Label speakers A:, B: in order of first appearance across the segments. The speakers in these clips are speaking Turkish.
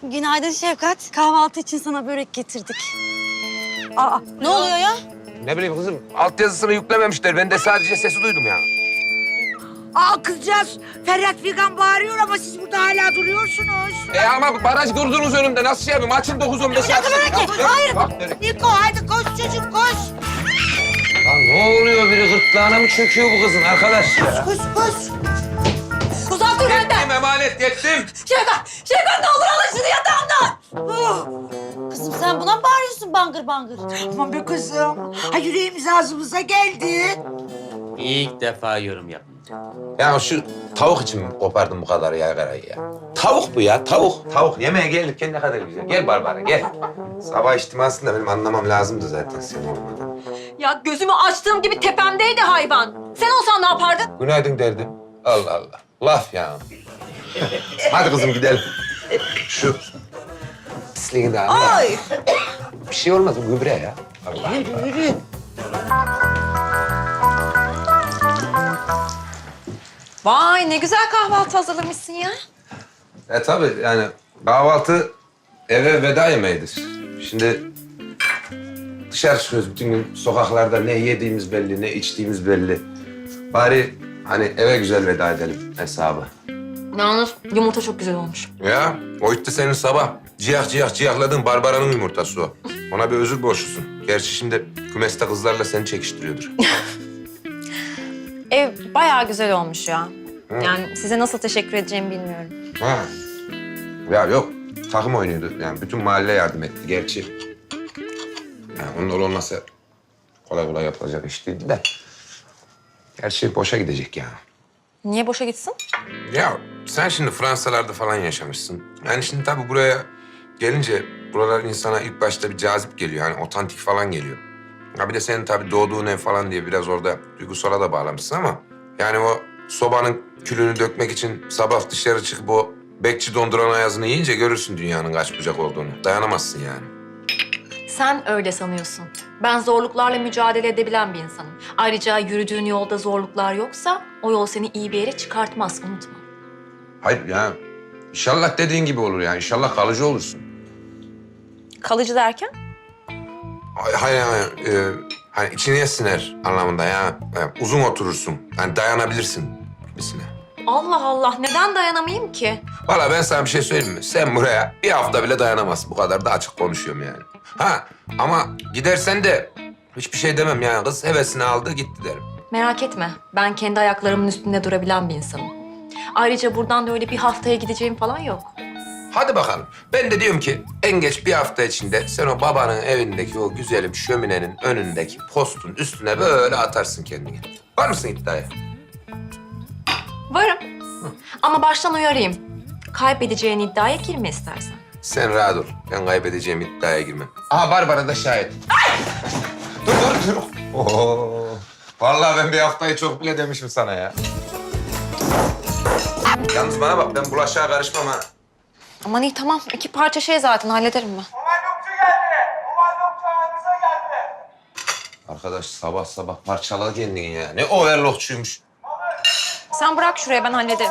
A: Günaydın Şefkat. Kahvaltı için sana börek getirdik. Aa, ne oluyor ya?
B: Ne bileyim kızım, altyazısını yüklememişler. Ben de sadece sesi duydum ya.
C: Aa kızcağız, Ferhat Figan bağırıyor ama siz burada hala duruyorsunuz.
B: Ama baraj kurdunuz önümde. Nasıl şey yapayım? Açın 9-15 saat.
A: Hayır.
C: Niko hadi koş çocuk koş.
B: Ya ne oluyor? Biri gırtlağına mı çöküyor bu kızın arkadaş ya?
C: Koş koş.
A: Uzak dur benden.
B: Yettim emanet, yettim.
A: Şefkat ne olur alın şunu yatağımdan. Kızım sen buna mı bağırıyorsun bangır bangır?
C: Aman be kızım. Ha yüreğimiz ağzımıza geldi.
D: İlk defa yorum yaptım.
B: Ya şu tavuk için mi kopardın bu kadar yaygarayı ya? Tavuk bu ya, tavuk. Tavuk yemeğe gelirken ne kadar güzel. Gel Barbara, gel. Sabah içtimasında benim anlamam lazımdı zaten senin olmadan.
E: Ya gözümü açtığım gibi tepemdeydi hayvan. Sen olsan ne yapardın?
B: Günaydın derdim. Allah Allah. Laf ya. Hadi kızım gidelim. Şu pisliğini de al.
C: Ay.
B: Bir şey olmaz, bu gübre ya. Allah Allah.
C: Yürü.
E: Vay ne güzel kahvaltı hazırlamışsın ya.
B: Tabii yani kahvaltı eve veda yemeğidir. Şimdi dışarı çıkıyoruz bütün gün sokaklarda ne yediğimiz belli, ne içtiğimiz belli. Bari hani eve güzel veda edelim hesabı.
E: Yalnız yumurta çok güzel olmuş.
B: Ya o itti senin sabah. Ciyahladığın Barbara'nın yumurtası o. Ona bir özür borçlusun. Gerçi şimdi kümeste kızlarla seni çekiştiriyordur.
E: Ev bayağı güzel olmuş ya. Yani size nasıl teşekkür edeceğimi bilmiyorum.
B: Ha. Ya yok, takım oynuyordu. Yani bütün mahalle yardım etti gerçi. Yani onlar olmasa kolay kolay yapılacak iş değildi de. Gerçi boşa gidecek ya.
E: Niye boşa gitsin?
B: Ya sen şimdi Fransalarda falan yaşamışsın. Yani şimdi tabii buraya gelince buralar insana ilk başta bir cazip geliyor. Hani otantik falan geliyor. Ya bir de senin tabii doğduğun ev falan diye biraz orada duygusala da bağlamışsın ama... Yani o sobanın külünü dökmek için sabah dışarı çıkıp o bekçi donduran ayazını yiyince görürsün dünyanın kaç bucak olduğunu. Dayanamazsın yani.
E: Sen öyle sanıyorsun. Ben zorluklarla mücadele edebilen bir insanım. Ayrıca yürüdüğün yolda zorluklar yoksa o yol seni iyi bir yere çıkartmaz, unutma.
B: Hayır ya inşallah dediğin gibi olur yani. İnşallah kalıcı olursun.
E: Kalıcı derken?
B: Hayır. Hani içine siner anlamında ya. Yani uzun oturursun. Yani dayanabilirsin gibisine.
E: Allah Allah, neden dayanamayayım ki?
B: Vallahi ben sana bir şey söyleyeyim mi? Sen buraya bir hafta bile dayanamazsın. Bu kadar da açık konuşuyorum yani. Ha ama gidersen de hiçbir şey demem yani. Kız hevesini aldı gitti derim.
E: Merak etme, ben kendi ayaklarımın üstünde durabilen bir insanım. Ayrıca buradan da öyle bir haftaya gideceğim falan yok.
B: Hadi bakalım. Ben de diyorum ki en geç bir hafta içinde sen o babanın evindeki o güzelim şöminenin önündeki postun üstüne böyle atarsın kendini. Var mısın iddiaya?
E: Varım. Ama baştan uyarayım. Kaybedeceğin iddiaya girme istersen.
B: Sen rahat ol. Ben kaybedeceğim iddiaya girmem. Aha Barbara da şahit. Dur. Oo. Vallahi ben bir haftayı çok bile demişim sana ya. Yalnız bana bak ben bulaşığa karışmam ha.
E: Aman iyi tamam. 2 parça şey zaten hallederim ben.
F: Overlockçu geldi. Overlockçu aranıza geldi.
B: Arkadaş sabah sabah parçala kendini ya. Ne overlockçuymuş.
E: Sen bırak şuraya ben hallederim.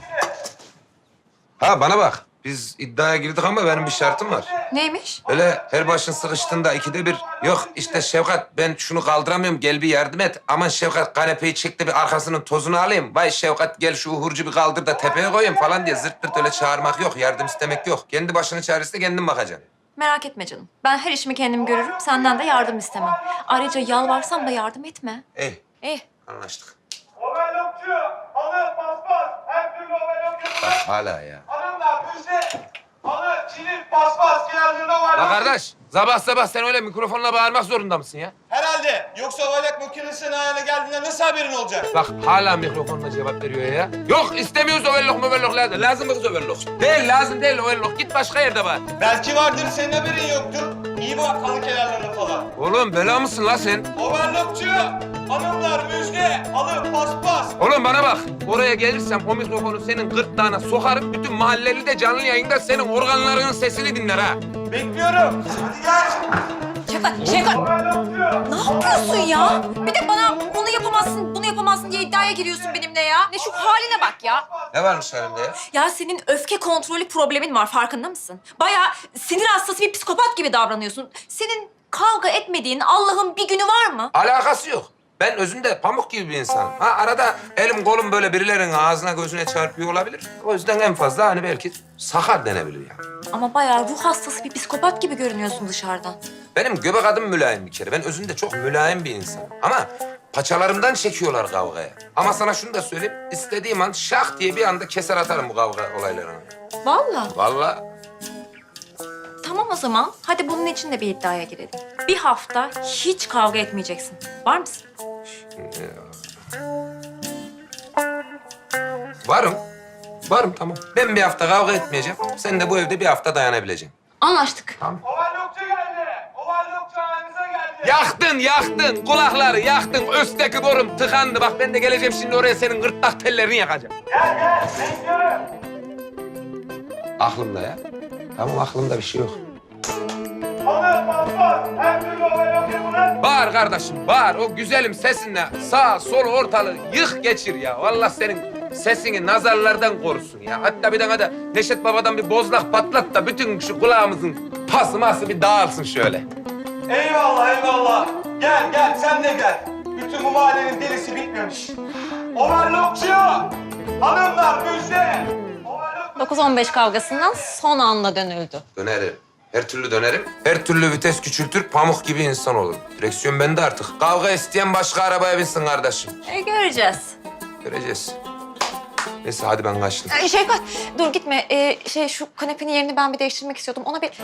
B: Ha bana bak. Biz iddiaya girdik ama benim bir şartım var.
E: Neymiş?
B: Öyle her başın sıkıştığında ikide bir yok işte Şevkat ben şunu kaldıramıyorum gel bir yardım et. Aman Şevkat kanepeyi çek de bir arkasının tozunu alayım. Vay Şevkat gel şu uhurcu bir kaldır da tepeye koyayım falan diye zırt pırt öyle çağırmak yok. Yardım istemek yok. Kendi başının çaresine kendin bakacaksın.
E: Merak etme canım. Ben her işimi kendim görürüm. Senden de yardım istemem. Ayrıca yalvarsam da yardım etme.
B: İyi anlaştık.
F: Overlockçu, halı, paspas, her türlü overlock
B: Bak
F: yapılır.
B: hala ya.
F: Hanımlar, müjde, halı, çilik, paspas, kenarlarına
B: La
F: overlock.
B: kardeş sabah sabah sen öyle mikrofonla bağırmak zorunda mısın ya?
F: Herhalde. Yoksa overlock makinesinin ayağına geldiğinde nasıl haberin olacak?
B: Bak hala mikrofonla cevap veriyor ya. Yok istemiyoruz overlock lazım. Lazım mı kız overlock? Değil lazım değil overlock. Git başka yerde var.
F: Belki vardır, senin haberin yoktur. İyi bak halı kenarlarına falan.
B: Oğlum bela mısın la sen?
F: Overlockçu, hanımlar, müjde, halı, paspas.
B: Oğlum bana bak. Oraya gelirsem o mikrofonu senin gırtlağına sokarım. Bütün mahalleli de canlı yayında senin organlarının sesini dinler ha.
F: Bekliyorum. Hadi gel.
E: Şevkat, Şevkat.
F: Overlockçu.
E: Ne yapıyorsun ya? Bir de bana onu yapamazsın, bunu yapamazsın diye iddiaya giriyorsun benimle ya? Ne şu haline bak ya.
B: Ne varmış halimde ya?
E: Ya senin öfke kontrolü problemin var, farkında mısın? Bayağı sinir hastası bir psikopat gibi davranıyorsun. Senin kavga etmediğin Allah'ın bir günü var mı?
B: Alakası yok. Ben özünde pamuk gibi bir insanım. Ha arada elim kolum böyle birilerinin ağzına gözüne çarpıyor olabilir. O yüzden en fazla hani belki sakar denebilir yani.
E: Ama bayağı ruh hastası bir psikopat gibi görünüyorsun dışarıdan.
B: Benim göbek adım mülayim bir kere. Ben özünde çok mülayim bir insanım. Ama paçalarımdan çekiyorlar kavgaya. Ama sana şunu da söyleyeyim. İstediğim an şak diye bir anda keser atarım bu kavga olaylarını.
E: Vallahi.
B: Vallahi
E: Tamam o zaman. Hadi bunun için de bir iddiaya girelim. Bir hafta hiç kavga etmeyeceksin. Var mısın?
B: varım. Varım tamam. Ben bir hafta kavga etmeyeceğim. Sen de bu evde bir hafta dayanabileceksin.
E: Anlaştık.
F: Overlockçu geldi. Overlockçu halinize geldi.
B: Yaktın. Kulakları yaktın. Üstteki borum tıkandı. Bak ben de geleceğim şimdi oraya senin gırtlak tellerini yakacağım.
F: Gel bekliyorum.
B: Aklımda ya. Tamam aklımda bir şey yok.
F: Halı, paspas, her türlü overlock yapılır.
B: Bağır kardeşim, bağır. O güzelim sesinle sağ, sol, ortalığı yık geçir ya. Vallahi senin sesini nazarlardan korusun ya. Hatta bir tane de Neşet Baba'dan bir bozlak patlat da bütün şu kulağımızın pası ması bir dağılsın şöyle.
F: Eyvallah. Gel sen de gel. Bütün bu mahallenin delisi bitmemiş. Overlockçu. Hanımlar müjde. Overlock
A: 9-15 kavgasından son anda dönüldü.
B: Dönerim. Her türlü dönerim. Her türlü vites küçültür, pamuk gibi insan olur. Direksiyon bende artık. Kavga isteyen başka arabaya binsin kardeşim.
A: Göreceğiz.
B: Göreceğiz. Neyse hadi ben kaçtım.
E: Şevkat dur gitme. Şu kanepenin yerini ben bir değiştirmek istiyordum. Ona bir...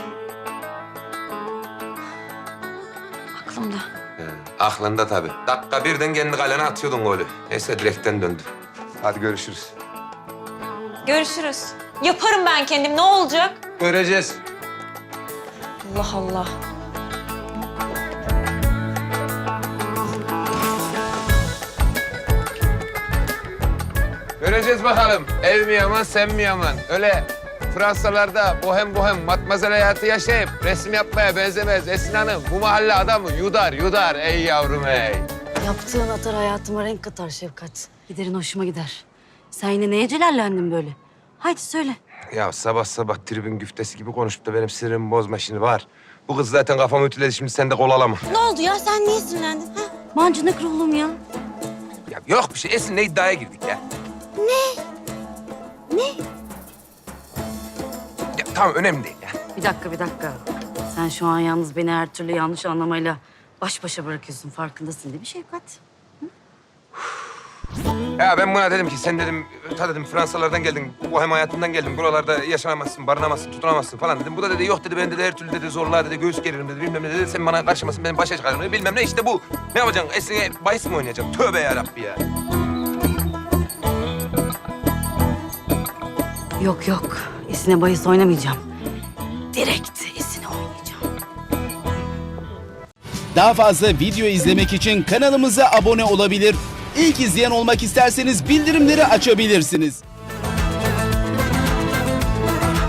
E: Aklımda.
B: Aklında tabii. Dakika birden kendi kalene atıyordun golü. Neyse direkten döndü. Hadi görüşürüz.
A: Görüşürüz. Yaparım ben kendim. Ne olacak?
B: Göreceğiz.
A: Allah Allah.
B: Göreceğiz bakalım. Ev mi yaman, sen mi yaman? Öyle Fransalarda bohem matmazel hayatı yaşayıp resim yapmaya benzemez Esin Hanım. Bu mahalle adamı yudar ey yavrum ey.
G: Yaptığın atar hayatıma renk katar Şefkat. Giderin hoşuma gider. Sen yine neye celallendin böyle? Haydi söyle.
B: Ya sabah tribün güftesi gibi konuşup da benim sinirimi bozma şimdi var. Bu kız zaten kafamı ütüledi şimdi sen de kol alama.
G: Ne oldu ya? Sen niye sinirlendin? Ha? Mancınık ruhlum ya.
B: Ya yok bir şey Esin'le iddiaya girdik ya.
G: Ne?
B: Ya tamam önemli değil ya.
G: Bir dakika. Sen şu an yalnız beni her türlü yanlış anlamayla baş başa bırakıyorsun. Farkındasın değil mi Şefkat?
B: Ya ben buna dedim ki sen dedim ta dedim Fransalardan geldin, bohem hayatından geldin. Buralarda yaşamazsın, barınamazsın, tutunamazsın falan dedim. Bu da dedi yok dedi ben dedi her türlü dedi zorluğa dedi göğüs geririm dedi bilmem ne dedi. Sen bana karışmasın benim başa çıkarım dedi bilmem ne işte bu. Ne yapacaksın Esin'e bahis mi oynayacaksın? Tövbe yarabbi ya.
G: Yok. Esine bahis oynamayacağım. Direkt esine oynayacağım.
H: Daha fazla video izlemek için kanalımıza abone olabilir. İlk izleyen olmak isterseniz bildirimleri açabilirsiniz.